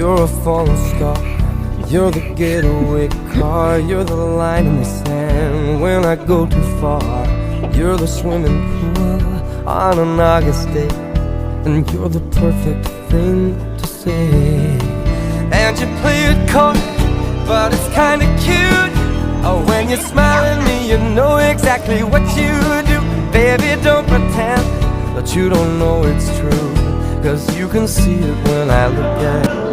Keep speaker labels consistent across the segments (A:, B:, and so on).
A: You're a falling star. You're the getaway car. You're the line in the sand when I go too far. You're the swimming pool on an August day, and you're the perfect thing to say. And you play it coy, but it's kinda cute. Oh, when you smile at me, you know exactly what you do. Baby, don't pretend that you don't know it's true, 'cause you can see it when I look at you.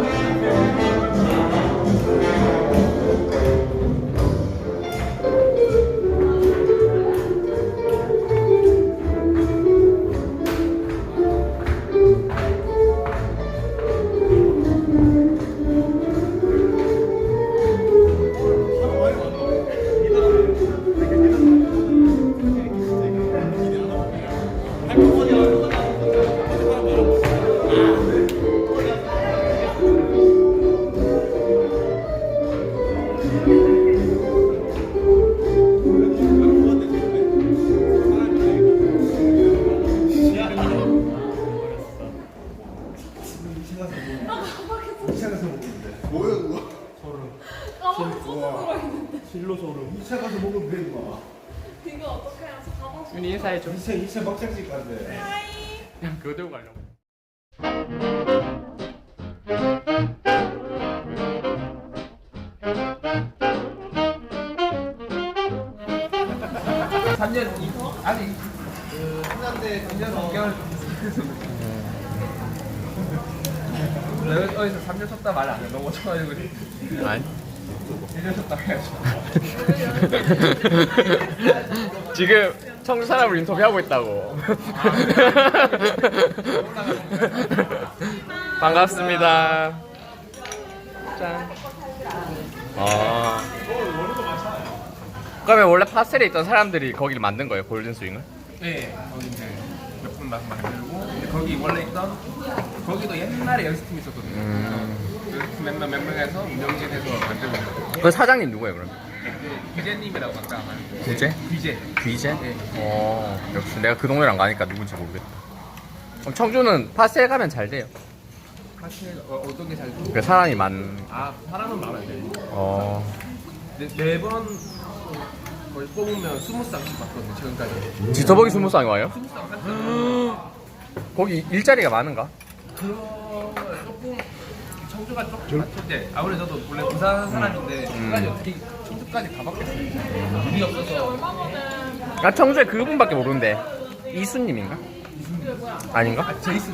B: 뭐야 그거?
C: 실로 소름.
B: 2차 가서 먹으면 돼 임마.
D: 이거 어떻게 해서 가방 속.
C: 윤이 인사해줘.
B: 2차 막장식 간대.
C: 그냥 그거 들고 가려고. 아니 그 끝난데 3년 5개월 내가 어디서 3년 쳤다 말 안 해. 너무 쳐가지고
E: 아니
C: 1년 쳤다 해야지.
E: 지금 청주 사람을 인터뷰하고 있다고. 반갑습니다. 짠. 그러면 원래 파스텔에 있던 사람들이 거기를 만든 거예요, 골든 스윙을?
C: 네, 거기 이제 몇 분 만들고 근데 거기 원래 있던 거기도 옛날에 연습팀 있었거든요. 그 몇 명에서 운영진에서 만들고 있어요.
E: 그 사장님 누구예요, 그럼?
C: 귀재님이라고 아까 말한
E: 구제?
C: 귀재.
E: 귀재?
C: 네.
E: 역시 내가 그 동네를 안 가니까 누군지 모르겠다. 그럼 청주는 파스텔 가면 잘 돼요?
C: 사실 어떤 게 잘 돼?
E: 그 사람이 많.
C: 사람은 마음에 돼. 매번 거의 뽑으면 20쌍씩 받거든요, 지금까지.
E: 지터벅이 20쌍이 와요?
C: 20쌍 한
E: 거기 일자리가 많은가?
C: 그런 조금 청주가 조금 맞췄대. 아무래도 저도 원래 부산 사람인데 청주까지 어떻게 청주까지 가봤겠어요. 일이 없어서.
E: 나 청주에 그분밖에 모르는데 이수님인가? 아닌가?
C: 제이슨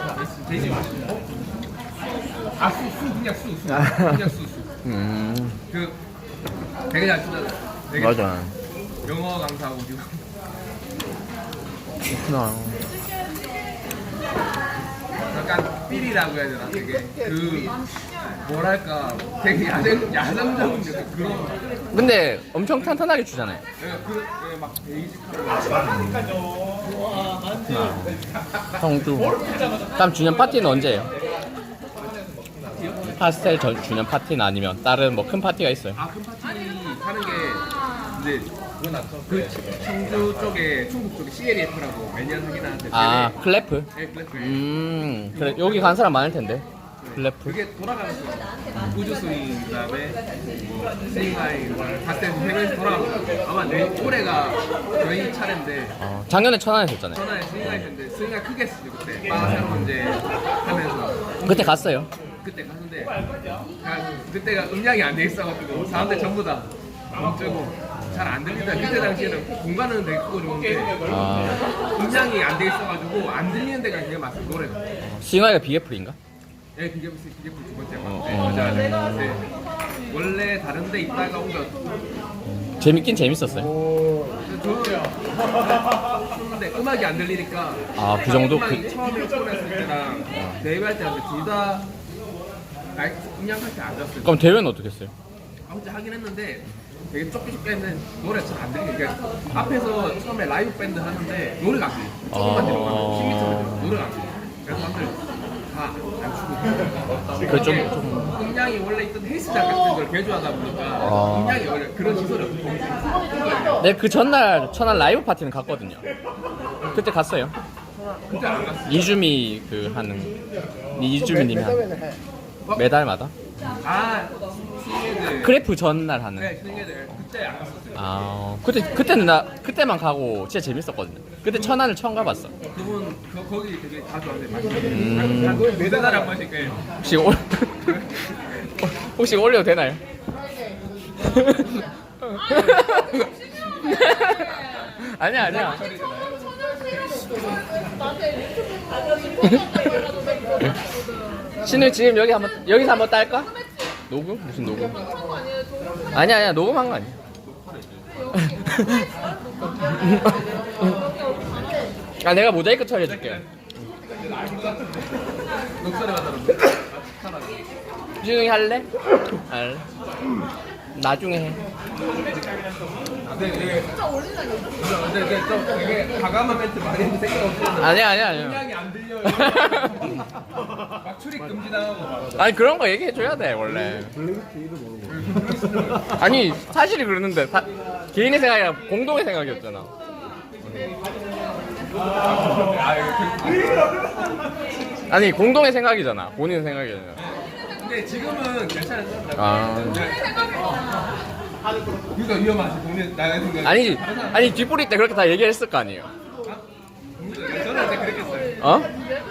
C: 그냥 수. 그 되게 잘 쓰잖아. 되게
E: 맞아.
C: 영어 강사하고 지금
E: 그렇구나.
C: 약간 삘이라고 해야 되나? 되게 그 뭐랄까 되게 야생적인 약간 그런.
E: 근데 엄청 탄탄하게 주잖아요.
C: 막 베이직하고.
E: 청주. 다음 주년 파티는 언제예요? 파스텔 주년 파티는 아니면 다른 뭐 큰 파티가 있어요?
C: 큰 파티 하는 게 이제 그 청주 쪽에 충북 쪽에 CLF라고 매년 하긴 하는데
E: 클래프?
C: 네, 클래프.
E: 그래 여기 간 사람 많을 텐데. 클래프.
C: 그게 돌아가면서 우주 스윙 그다음에 뭐 스윙하이 파스텔 세 명이서 돌아가면서 아마 올해가 저희 차례인데
E: 작년에 천안에 했잖아요.
C: 전화에 스윙하이 했는데 스윙하이 크게 했어요 그때 빠세로 문제 하면서
E: 그때 갔어요.
C: 그때 갔는데 그때가 음량이 안 돼 있어가지고 사람들 전부 다 멈추고 잘 안 들리다. 그때 당시에는 공간은 되게 크고 좋은데 음량이 안 돼 있어가지고 안 들리는 데가 되게 많았어요 노래가.
E: 싱하이가 BF인가?
C: 네, 그게 두 번째 맞아. 네. 원래 다른 데 있다가 옮겨.
E: 재밌긴 재밌었어요.
C: 근데 음악이 안 들리니까.
E: 그 정도?
C: 음악이 처음에 오픈했을 때랑 데뷔할 때 둘 다 음량 상태 안 좋았어요.
E: 그럼 대회는 어떻게 했어요?
C: 혼자 하긴 했는데 되게 좁게 했는데 노래가 잘 안 들리니까 그러니까 앞에서 처음에 라이브 밴드 하는데 노래가 안 들려. 조금만 들어가 10m만 들어 노래가 안 들려. 그래서 사람들 다 안 추고.
E: 그 좀
C: 음량이 원래 있던 헬스장 같은 걸 개조하다 보니까 음량이 원래 그런 시설이 없고.
E: 네, 그 전날 천안 라이브 파티는 갔거든요. 그때 갔어요.
C: 그때 안 갔어.
E: 이주미 그 하는 이주미님이 하는. 매달마다?
C: 아 신예들.
E: 크래프 전날 하는.
C: 네 신예들 그때 안 갔었어요.
E: 아 그때는 그때만 가고 진짜 재밌었거든요. 그때 천안을 처음 가봤어.
C: 그분 거기 되게 자주 왔는데 매달 한 번씩 가요.
E: 혹시 올려도 되나요? 아니야. 신우 지금 여기서 한번 딸까? 녹음? 무슨 녹음? 아니야 녹음한 거 아니야. 아 내가 모자이크 처리해줄게.
C: 녹소리가 들어.
E: 신우이 할래? 할래. 나중에 해.
C: 근데 좀 되게 과감한 멘트 많이 했는데 생각 없었는데.
E: 아니야.
C: 음량이 안 들려요. 막 출입 금지당하고 막.
E: 아니 그런 거 얘기해줘야 돼 원래. 아니 사실이 그러는데 개인의 생각이 아니라 공동의 생각이었잖아. 아니 공동의 생각이잖아. 본인의 생각이잖아.
C: 근데 지금은 괜찮았어.
E: 아
C: 그러니까 위험하지 동네 나의 생각.
E: 아니 뒷부리 때 그렇게 다 얘기했을 거 아니에요.
C: 저는 그때 그랬겠어요.
E: 어?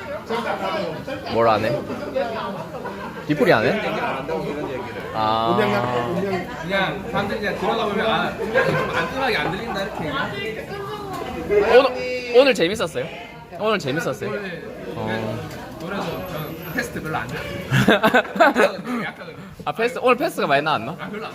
E: 뭘 안 해? 뒷부리 안 해? 아
C: 그냥 사람들이 그냥 들어가 보면 아 좀 안전하게 안 들린다 이렇게 얘기해.
E: 오늘 재밌었어요? 오늘 재밌었어요?
C: 노래도 저는 테스트 별로 안 돼. 약하거든요.
E: 아 오늘 패스가 많이 나왔나?
C: 아 별로 안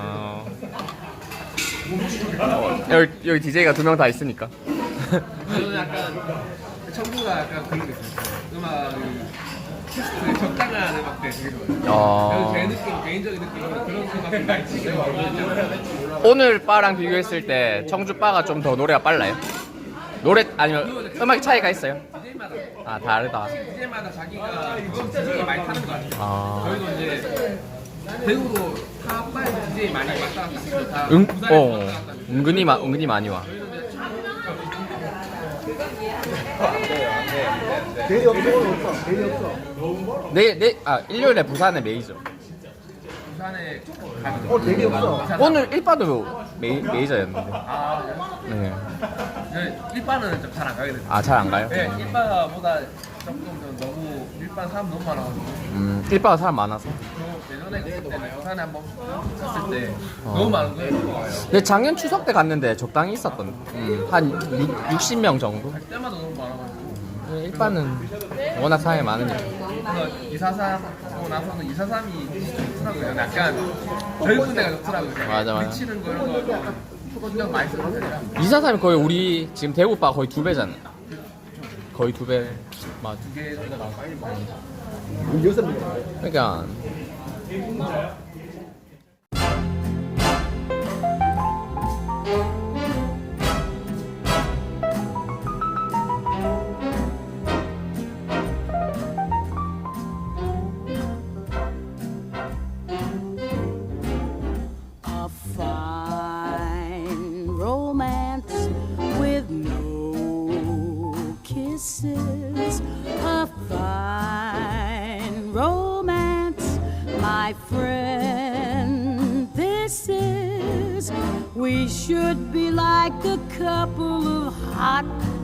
C: 났어요.
E: 여기 DJ가 2명 다 있으니까.
C: 저는 약간 청구가 약간 그런 게 있어요. 음악 테스트 적당한 음악들 되게 좋아해요. 그래서 제 느낌 개인적인 느낌은 그런 음악들 많이 치게 많이
E: 오늘 바랑 비교했을 때 청주 바가 좀 더 노래가 빨라요? 노래 아니면 음악의 차이가 있어요?
C: DJ마다
E: 아 다르다.
C: DJ마다 자기가 DJ 많이 타는 것 같아요.
E: 아.
C: 저희도 이제 대구로 탑5 DJ 많이 왔다 갔다 하고 다 부산에서 왔다 갔다 하고.
E: 은근히 많이 와.
B: 대리 없어 오늘 없어. 대리 없어.
E: 일요일에 부산에 메이저.
C: 부산에 가면
B: 대리 없어.
E: 오늘 1바도 메이저였는데.
C: 아,
E: 네.
C: 일반은 좀 잘 안 가게 됐어요.
E: 아 잘 안 가요?
C: 네, 일반보다 조금 더 너무 일반 사람 너무 많아가지고
E: 1바가 사람 많아서.
C: 저 예전에 갔을 때는 부산에 한번 갔을 때 너무 많은 거예요.
E: 근데 작년 추석 때 갔는데 적당히 있었던. 한 60명 정도.
C: 갈 때마다 너무 많아가지고
E: 1바는 워낙 사람이 많으니까.
C: 그래서 243 하고 나서는 243이 좋더라고요. 약간 젊은 데가 좋더라고요.
E: 맞아.
C: 미치는 거 이런 거 신경 많이 쓰는 편이라
E: 243이 거의 우리 지금 대구바 거의 2배잖아. 거의 2배. 맞아.
C: 두개 정도 나오고
B: 여섯 명.
E: 그러니까
F: A fine romance with no kisses. A fine romance, my friend, this is. We should be like a couple of hot